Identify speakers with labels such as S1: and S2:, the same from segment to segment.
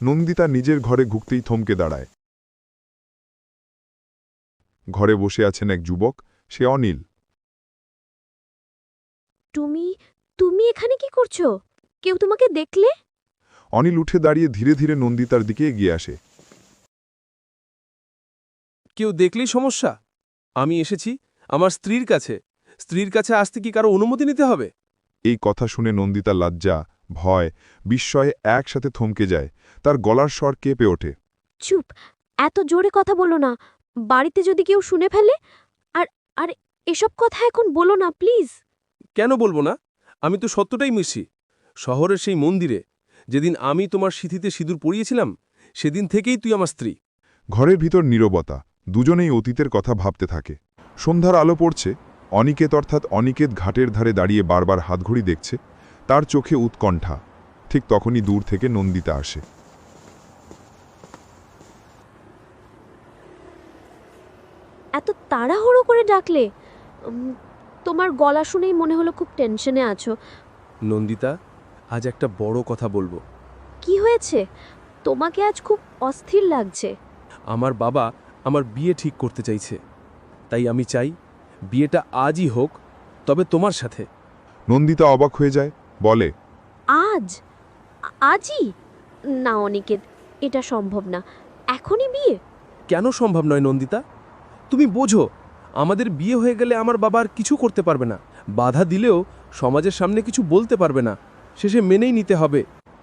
S1: নন্দিতা নিজের ঘরে ঢুকতেই থমকে দাঁড়ায়। ঘরে বসে আছেন এক যুবক, সে অনিল।
S2: তুমি তুমি এখানে কি করছো? কেউ তোমাকে দেখলে?
S1: অনিল উঠে দাঁড়িয়ে ধীরে ধীরে নন্দিতার দিকে এগিয়ে আসে।
S3: কেউ দেখলেই সমস্যা? আমি এসেছি আমার স্ত্রীর কাছে। স্ত্রীর কাছে আসতে কি কারো অনুমতি নিতে হবে?
S1: এই কথা শুনে নন্দিতা লজ্জা, ভয়, বিস্ময়ে একসাথে থমকে যায়। তার গলার স্বর কেঁপে ওঠে।
S2: চুপ, এত জোরে কথা বলো না। বাড়িতে যদি কেউ শুনে ফেলে। আর আর এসব কথা এখন বলো না প্লিজ।
S3: কেন বলবো না? আমি তো সত্যটাই মিশি। শহরের সেই মন্দিরে যেদিন আমি তোমার সিঁথিতে সিঁদুর পরিয়েছিলাম, সেদিন থেকেই তুই আমার স্ত্রী।
S1: ঘরের ভিতর নীরবতা, দুজনেই অতীতের কথা ভাবতে থাকে। সন্ধ্যার আলো পড়ছে। অনিকেত অর্থাৎ অনিকেত ঘাটের ধারে দাঁড়িয়ে বারবার হাতঘড়ি দেখছে। তার চোখে উৎকণ্ঠা। ঠিক তখনই দূর থেকে নন্দিতা আসে।
S2: এত তাড়াহুড়ো করে ডাকলে? তোমার গলা শুনেই মনে হলো খুব টেনশনে আছো।
S3: নন্দিতা, আজ একটা বড় কথা বলবো।
S2: কি হয়েছে? তোমাকে আজ খুব অস্থির লাগছে।
S3: আমার বাবা আমার বিয়ে ঠিক করতে চাইছে। তাই আমি চাই বিয়েটা আজই হোক, তবে তোমার সাথে।
S1: নন্দিতা অবাক হয়ে যায়, বলে,
S2: আজ? আজই? না অনিকেত, এটা সম্ভব না। এখনই বিয়ে?
S3: কেন সম্ভব নয় নন্দিতা? তুমি বোঝো, আমাদের বিয়ে হয়ে গেলে আমার বাবা আর কিছু করতে পারবে না। বাধা দিলেও সমাজের সামনে কিছু বলতে পারবে না। শেষে মেনেই নিতে হবে।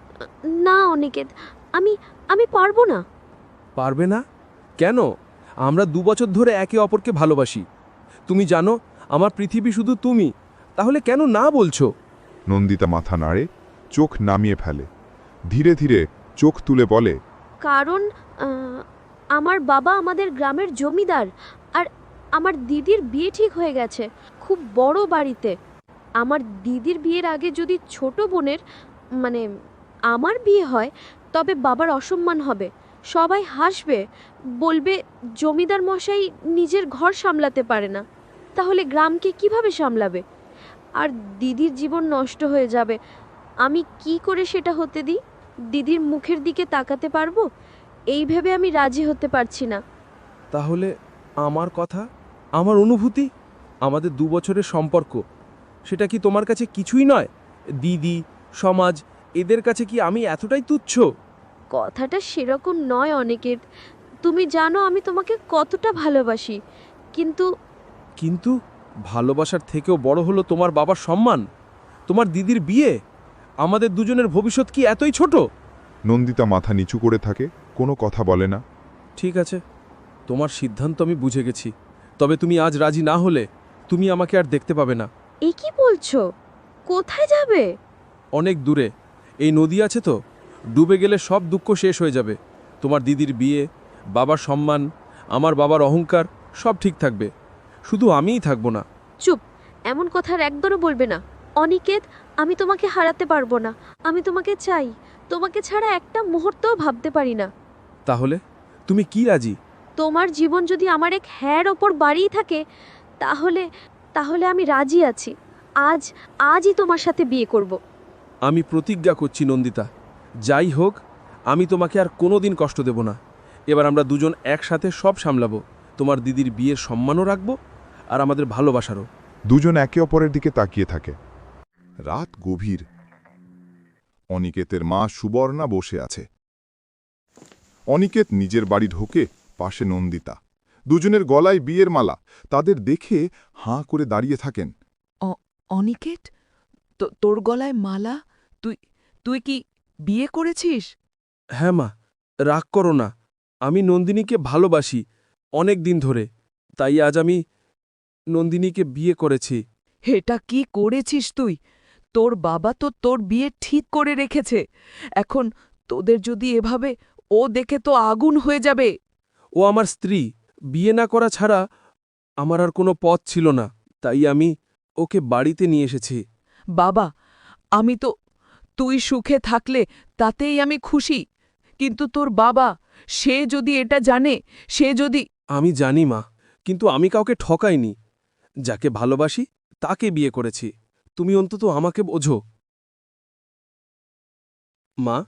S2: না অনিকেত, আমি আমি পারবো না।
S3: পারবে না? কেন? আমরা 2 বছর ধরে একে অপরকে ভালোবাসি। তুমি জানো আমার পৃথিবী শুধু তুমি। তাহলে কেন না বলছো?
S1: নন্দিতা মাথা নাড়ে, চোখ নামিয়ে ফেলে। ধীরে ধীরে চোখ তুলে বলে,
S2: কারণ আমার বাবা আমাদের গ্রামের জমিদার। আর আমার দিদির বিয়ে ঠিক হয়ে গেছে খুব বড় বাড়িতে। আমার দিদির বিয়ের আগে যদি ছোট বোনের, মানে আমার বিয়ে হয়, তবে বাবার অসম্মান হবে। সবাই হাসবে, বলবে জমিদার মশাই নিজের ঘর সামলাতে পারে না। তাহলে গ্রামকে কিভাবে সামলাবে? আর দিদির জীবন নষ্ট হয়ে যাবে। আমি কি করে সেটা হতে দিই? দিদির মুখের দিকে তাকাতে পারবো? এই ভেবে আমি রাজি হতে পারছি না।
S3: তাহলে আমার কথা, আমার অনুভূতি, আমাদের 2 বছরের সম্পর্ক, সেটা কি তোমার কাছে কিছুই নয়? দিদি, সমাজ, এদের কাছে কি আমি এতটাই তুচ্ছ?
S2: কথাটা সেরকম নয় অনিকেত। তুমি জানো আমি তোমাকে কতটা ভালোবাসি। কিন্তু
S3: কিন্তু ভালোবাসার থেকেও বড় হলো তোমার বাবার সম্মান, তোমার দিদির বিয়ে। আমাদের দুজনের ভবিষ্যৎ কি এতই ছোট?
S1: নন্দিতা মাথা নিচু করে থাকে, কোনো কথা বলে না।
S3: ঠিক আছে, তোমার সিদ্ধান্ত আমি বুঝে গেছি। তবে তুমি আজ রাজি না হলে তুমি আমাকে আর দেখতে পাবে না।
S2: এ কি বলছো? কোথায় যাবে?
S3: অনেক দূরে। এই নদী আছে তো, ডুবে গেলে সব দুঃখ শেষ হয়ে যাবে। তোমার দিদির বিয়ে, বাবার সম্মান, আমার বাবার অহংকার, সব ঠিক থাকবে। শুধু আমিই থাকবো না।
S2: চুপ, এমন কথা আর একবারও বলবে না। অনিকেত, আমি তোমাকে হারাতে পারবো না। আমি তোমাকে চাই। তোমাকে ছাড়া একটা মুহূর্তও ভাবতে পারি না।
S3: তাহলে তুমি কি রাজি?
S2: তোমার জীবন যদি আমার এক হ্যার ওপর বাড়িয়ে থাকে, তাহলে তাহলে আমি রাজি আছি। আজই তোমার সাথে বিয়ে করব।
S3: আমি প্রতিজ্ঞা করছি নন্দিতা, যাই হোক আমি তোমাকে আর কোনোদিন কষ্ট দেব না। এবার আমরা দুজন একসাথে সব সামলাবো। তোমার দিদির বিয়ের সম্মানও রাখবো, আর আমাদের ভালোবাসারও।
S1: দুজন একে অপরের দিকে তাকিয়ে থাকে। রাত গভীর। অনিকেতের মা সুবর্ণা বসে আছে। অনিকেত নিজের বাড়ি ঢোকে, পাশে নন্দিতা। দুজনের গলায় বিয়ের মালা। তাদের দেখে হাঁ করে দাঁড়িয়ে থাকেন।
S4: অনিকেত, তোর গলায় মালা? তুই তুই কি বিয়ে করেছিস?
S3: হ্যাঁ মা, রাগ করো না। আমি নন্দিনীকে ভালোবাসি অনেক দিন ধরে। তাই আজ আমি নন্দিনীকে বিয়ে করেছি।
S4: এটা কি করেছিস তুই? তোর বাবা তো তোর বিয়ে ঠিক করে রেখেছে। এখন তোদের যদি এভাবে, ও দেখে তো আগুন হয়ে যাবে।
S3: ও আমার স্ত্রী, বিয়ে না করা ছাড়া আমার আর কোনো পথ ছিল না। তাই আমি ওকে বাড়িতে নিয়ে এসেছি।
S4: বাবা, আমি তো, তুই সুখে থাকলে তাতেই আমি খুশি। কিন্তু তোর বাবা, সে যদি এটা জানে, সে যদি...
S3: আমি জানি মা, কিন্তু আমি কাউকে ঠকাইনি। যাকে ভালোবাসি তাকে বিয়ে করেছি। তুমি অন্তত আমাকে বোঝো। মা,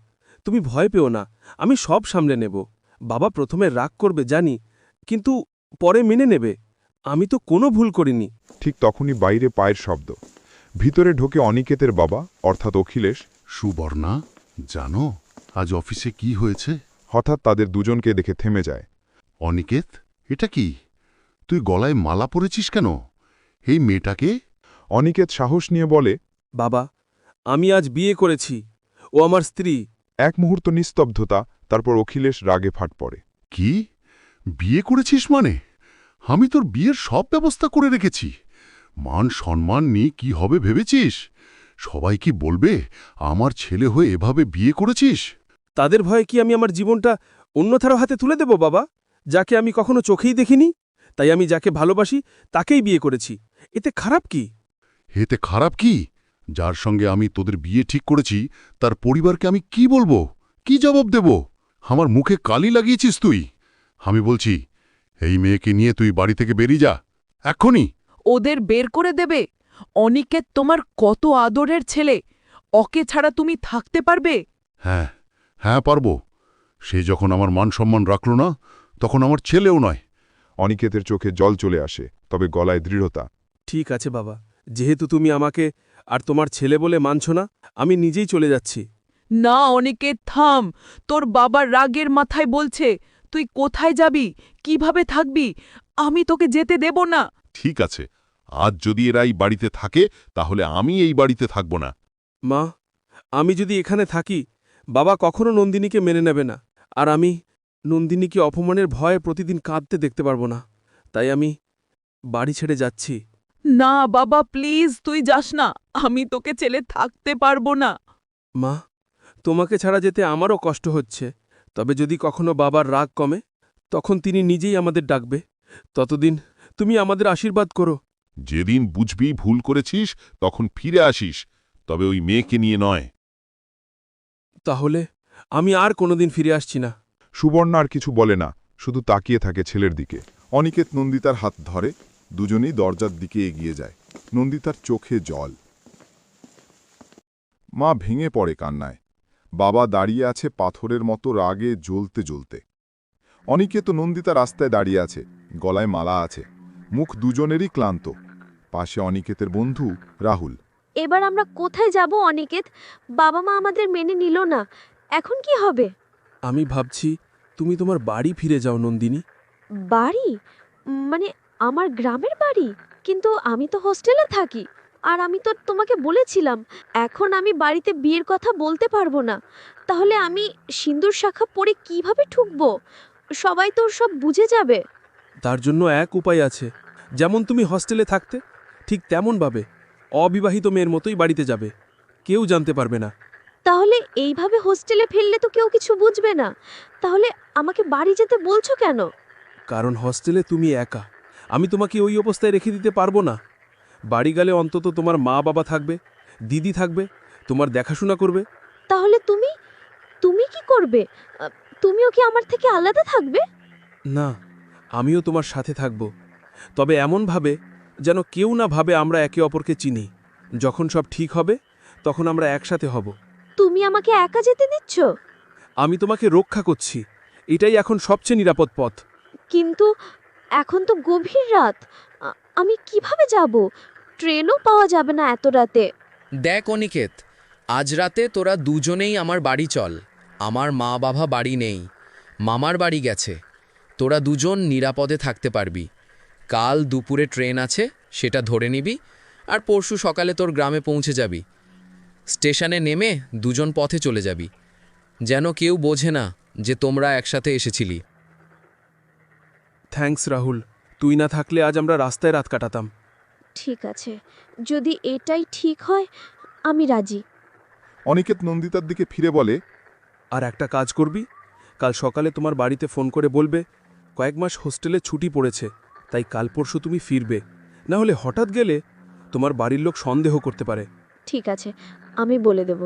S3: তুমি ভয় পেও না, আমি সব সামলে নেব। বাবা প্রথমে রাগ করবে জানি, কিন্তু পরে মেনে নেবে। আমি তো কোনো ভুল করিনি।
S1: ঠিক তখনই বাইরে পায়ের শব্দ। ভিতরে ঢোকে অনিকেতের বাবা অর্থাৎ অখিলেশ।
S5: সুবর্ণা, জানো আজ অফিসে কি হয়েছে?
S1: হঠাৎ তাদের দুজনকে দেখে থেমে যায়।
S5: অনিকেত, এটা কি? তুই গলায় মালা পরেছিস কেন? এই মেয়েটাকে?
S1: অনিকেত সাহস নিয়ে বলে,
S3: বাবা, আমি আজ বিয়ে করেছি, ও আমার স্ত্রী।
S1: এক মুহূর্ত নিস্তব্ধতা, তারপর অখিলেশ রাগে ফাট পড়ে।
S5: কি? বিয়ে করেছিস মানে? আমি তোর বিয়ের সব ব্যবস্থা করে রেখেছি। মান সম্মান নিয়ে কি হবে ভেবেছিস? সবাই কি বলবে আমার ছেলে হয়ে এভাবে বিয়ে করেছিস?
S3: তাদের ভয়ে কি আমি আমার জীবনটা অন্যথারও হাতে তুলে দেব বাবা, যাকে আমি কখনো চোখেই দেখিনি? তাই আমি যাকে ভালোবাসি তাকেই বিয়ে করেছি। এতে খারাপ কি?
S5: এতে খারাপ কি? যার সঙ্গে আমি তোদের বিয়ে ঠিক করেছি তার পরিবারকে আমি কি বলবো, কি জবাব দেব? আমার মুখে কালি লাগিয়েছিস তুই। আমি বলছি, এই মেয়েকে নিয়ে তুই বাড়ি থেকে বেরিয়ে যা এক্ষুনি।
S4: ওদের বের করে দেবে? অনিকেত তোমার কত আদরের ছেলে, ওকে ছাড়া তুমি থাকতে পারবে?
S5: হ্যাঁ, হ্যাঁ পারব। সে যখন আমার মান সম্মান রাখল না, তখন আমার ছেলেও নয়।
S1: অনিকেতের চোখে জল চলে আসে, তবে গলায় দৃঢ়তা।
S3: ঠিক আছে বাবা, যেহেতু তুমি আমাকে আর তোমার ছেলে বলে মানছ না, আমি নিজেই চলে যাচ্ছি।
S4: না অনিকেত, থাম। তোর বাবার রাগের মাথায় বলছে তুই কোথায় যাবি, কিভাবে থাকবি। আমি তোকে যেতে দেব না।
S5: ঠিক আছে, আজ যদি এরা এই বাড়িতে থাকে তাহলে আমি এই বাড়িতে থাকব না।
S3: মা, আমি যদি এখানে থাকি, বাবা কখনো নন্দিনীকে মেনে নেবে না, আর আমি নন্দিনীকে অপমানের ভয়ে প্রতিদিন কাঁদতে দেখতে পারবো না। তাই আমি বাড়ি ছেড়ে যাচ্ছি।
S4: না বাবা, প্লিজ তুই যাস না। আমি তোকে ছেড়ে থাকতে পারবো না।
S3: মা, তোমাকে ছাড়া যেতে আমারও কষ্ট হচ্ছে, তবে যদি কখনো বাবার রাগ কমে, তখন তিনি নিজেই আমাদের ডাকবে। ততদিন তুমি আমাদের আশীর্বাদ করো।
S5: যেদিন বুঝবি ভুল করেছিস তখন ফিরে আসিস, তবে ওই মেয়েকে নিয়ে নয়।
S3: তাহলে আমি আর কোনোদিন ফিরে আসছি না।
S1: সুবর্ণা আর কিছু বলে না, শুধু তাকিয়ে থাকে ছেলের দিকে। অনিকেত নন্দিতার হাত ধরে, দুজনেই দরজার দিকে এগিয়ে যায়। নন্দিতার চোখে জল। মা ভেঙে পড়ে কান্নায়। বাবা দাঁড়িয়ে আছে পাথরের মতো রাগে জ্বলতে জ্বলতে। অনিকেত ও নন্দিতা রাস্তায় দাঁড়িয়ে আছে, গলায় মালা আছে, মুখ দুজনেরই ক্লান্ত। পাশে অনিকেতের বন্ধু রাহুল।
S2: এবার আমরা কোথায় যাব অনিকেত? বাবা মা আমাদের মেনে নিল না, এখন কি হবে?
S3: আমি ভাবছি তুমি তোমার বাড়ি ফিরে যাও নন্দিনী।
S2: বাড়ি? মানে আমার গ্রামের বাড়ি? কিন্তু আমি তো হোস্টেলে থাকি, আর আমি তো তোমাকে বলেছিলাম এখন আমি বাড়িতে বিয়ের কথা বলতে পারবো না। তাহলে আমি সিন্দুর শাখা পরে কিভাবে ঠুকবো? সবাই তো সব বুঝে যাবে।
S3: তার জন্য এক উপায় আছে। যেমন তুমি হস্টেলে থাকতে, ঠিক তেমনভাবে অবিবাহিত মেয়ের মতোই বাড়িতে যাবে। কেউ জানতে পারবে না।
S2: তাহলে এইভাবে হোস্টেলে ফেললে তো কেউ কিছু বুঝবে না। তাহলে আমাকে বাড়ি যেতে বলছো কেন?
S3: কারণ হস্টেলে তুমি একা। আমি তোমাকে ওই অবস্থায় রেখে দিতে পারবো না। বাড়ি গেলে অন্তত তোমার মা বাবা থাকবে, দিদি থাকবে, তোমার দেখাশোনা করবে।
S2: তাহলে তুমি তুমি কি করবে? আ, তুমিও কি আমার থেকে আলাদা থাকবে?
S3: না, আমিও তোমার সাথে থাকব, তবে এমনভাবে যেন কেউ না ভাবে আমরা একে অপরকে চিনি। যখন সব ঠিক হবে তখন আমরা একসাথে হব।
S2: তুমি আমাকে একা যেতে দিচ্ছ?
S3: আমি তোমাকে রক্ষা করছি, এটাই এখন সবচেয়ে নিরাপদ পথ।
S2: কিন্তু এখন তো গভীর রাত, আমি কিভাবে যাব? ট্রেনও পাওয়া যাবে না এত রাতে।
S6: দেখ অনিকেত, আজ রাতে তোরা দুজনেই আমার বাড়ি চল। আমার মা বাবা বাড়ি নেই, মামার বাড়ি গেছে। তোরা দুজন নিরাপদে থাকতে পারবি। কাল দুপুরে ট্রেন আছে, সেটা ধরে নিবি, আর পরশু সকালে তোর গ্রামে পৌঁছে যাবি। স্টেশনে নেমে দুজন পথে চলে যাবি, যেন কেউ বোঝে না যে তোমরা একসাথে এসেছিলি।
S3: থ্যাঙ্কস রাহুল, তুই না থাকলে আজ আমরা রাস্তায় রাত কাটাতাম।
S2: ঠিক আছে, যদি এটাই ঠিক হয় আমি রাজি।
S1: অনিকেত নন্দিতার দিকে ফিরে বলে,
S3: আর একটা কাজ করবি, কাল সকালে তোমার বাড়িতে ফোন করে বলবে কয়েক মাস হোস্টেলে ছুটি পড়েছে, তাই কাল পরশু তুমি ফিরবে। না হলে হঠাৎ গেলে তোমার বাড়ির লোক সন্দেহ করতে পারে।
S2: ঠিক আছে, আমি বলে দেব।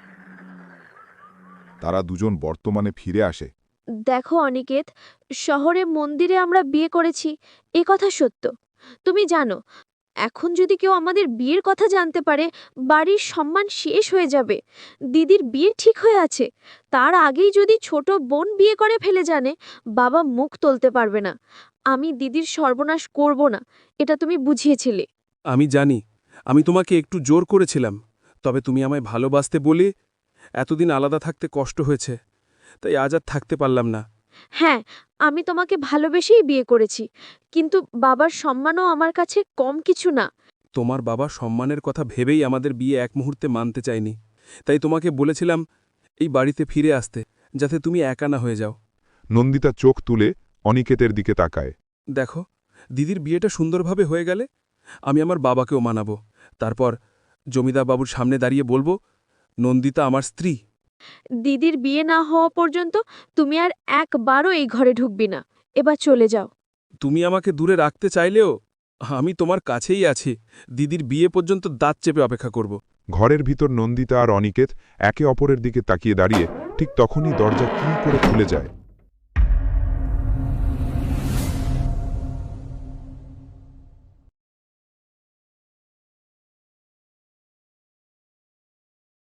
S1: তারা দুজন বর্তমানে ফিরে আসে।
S2: দেখো অনিকেত, শহরে মন্দিরে আমরা বিয়ে করেছি, এ কথা সত্য। তুমি জানো এখন যদি কেউ আমাদের বিয়ের কথা জানতে পারে, বাড়ির সম্মান শেষ হয়ে যাবে। দিদির বিয়ে ঠিক হয়ে আছে, তার আগেই যদি ছোট বোন বিয়ে করে ফেলে জানে, বাবা মুখ তুলতে পারবে না। আমি দিদির সর্বনাশ করব না, এটা তুমি বুঝিয়েছিলে।
S3: আমি জানি, আমি তোমাকে একটু জোর করেছিলাম, তবে তুমি আমায় ভালোবাসতে বলে এতদিন আলাদা থাকতে কষ্ট হয়েছে, তাই আজ আর থাকতে পারলাম না।
S2: হ্যাঁ, আমি তোমাকে ভালোবেসেই বিয়ে করেছি, কিন্তু বাবার সম্মানও আমার কাছে কম কিছু না।
S3: তোমার বাবা সম্মানের কথা ভেবেই আমাদের বিয়ে এক মুহূর্তে মানতে চায়নি, তাই তোমাকে বলেছিলাম এই বাড়িতে ফিরে আসতে, যাতে তুমি একা না হয়ে যাও।
S1: নন্দিতা চোখ তুলে অনিকেতের দিকে তাকায়।
S3: দেখো, দিদির বিয়েটা সুন্দরভাবে হয়ে গেলে আমি আমার বাবাকেও মানাবো, তারপর জমিদার বাবুর সামনে দাঁড়িয়ে বলবো, নন্দিতা আমার স্ত্রী।
S2: দিদির বিয়ে না হওয়া পর্যন্ত তুমি আর একবারও এই ঘরে ঢুকবি না। এবার চলে যাও।
S3: তুমি আমাকে দূরে রাখতে চাইলেও আমি তোমার কাছেই আছি। দিদির বিয়ে পর্যন্ত দাঁত চেপে অপেক্ষা করব।
S1: ঘরের ভিতর নন্দিতা আর অনিকেত একে অপরের দিকে তাকিয়ে দাঁড়িয়ে ঠিক তখনই দরজা কি করে খুলে যায়।